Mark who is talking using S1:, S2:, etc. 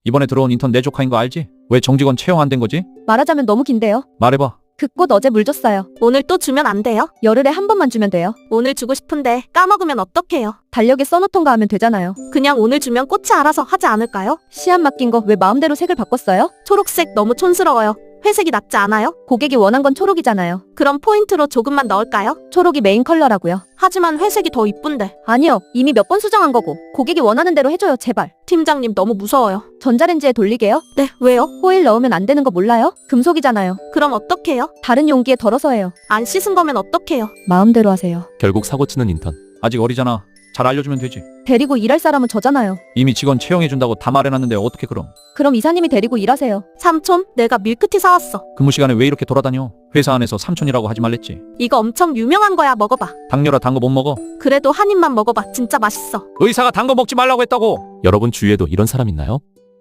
S1: 이번에 들어온 인턴 내 조카인 거 알지? 왜 정직원 채용 안 된 거지?
S2: 말하자면 너무 긴데요.
S1: 말해봐.
S2: 그 꽃 어제 물 줬어요.
S3: 오늘 또 주면 안 돼요?
S2: 열흘에 한 번만 주면 돼요.
S3: 오늘 주고 싶은데 까먹으면 어떡해요?
S2: 달력에 써놓던가 하면 되잖아요.
S3: 그냥 오늘 주면 꽃이 알아서 하지 않을까요?
S2: 시안 맡긴 거 왜 마음대로 색을 바꿨어요?
S3: 초록색 너무 촌스러워요. 회색이 낫지 않아요?
S2: 고객이 원한 건 초록이잖아요.
S3: 그럼 포인트로 조금만 넣을까요?
S2: 초록이 메인 컬러라고요.
S3: 하지만 회색이 더 이쁜데.
S2: 아니요. 이미 몇 번 수정한 거고. 고객이 원하는 대로 해줘요. 제발.
S3: 팀장님 너무 무서워요.
S2: 전자레인지에 돌리게요.
S3: 네, 왜요?
S2: 호일 넣으면 안 되는 거 몰라요? 금속이잖아요.
S3: 그럼 어떡해요?
S2: 다른 용기에 덜어서 해요.
S3: 안 씻은 거면 어떡해요?
S2: 마음대로 하세요.
S4: 결국 사고치는 인턴.
S1: 아직 어리잖아. 잘 알려주면 되지.
S2: 데리고 일할 사람은 저잖아요.
S1: 이미 직원 채용해준다고 다 말해놨는데 어떻게 그럼?
S2: 그럼 이사님이 데리고 일하세요.
S3: 삼촌, 내가 밀크티 사왔어.
S1: 근무 시간에 왜 이렇게 돌아다녀? 회사 안에서 삼촌이라고 하지 말랬지.
S3: 이거 엄청 유명한 거야. 먹어봐.
S1: 당뇨라 단 거 못 먹어.
S3: 그래도 한 입만 먹어봐. 진짜 맛있어.
S1: 의사가 단 거 먹지 말라고 했다고.
S4: 여러분 주위에도 이런 사람 있나요?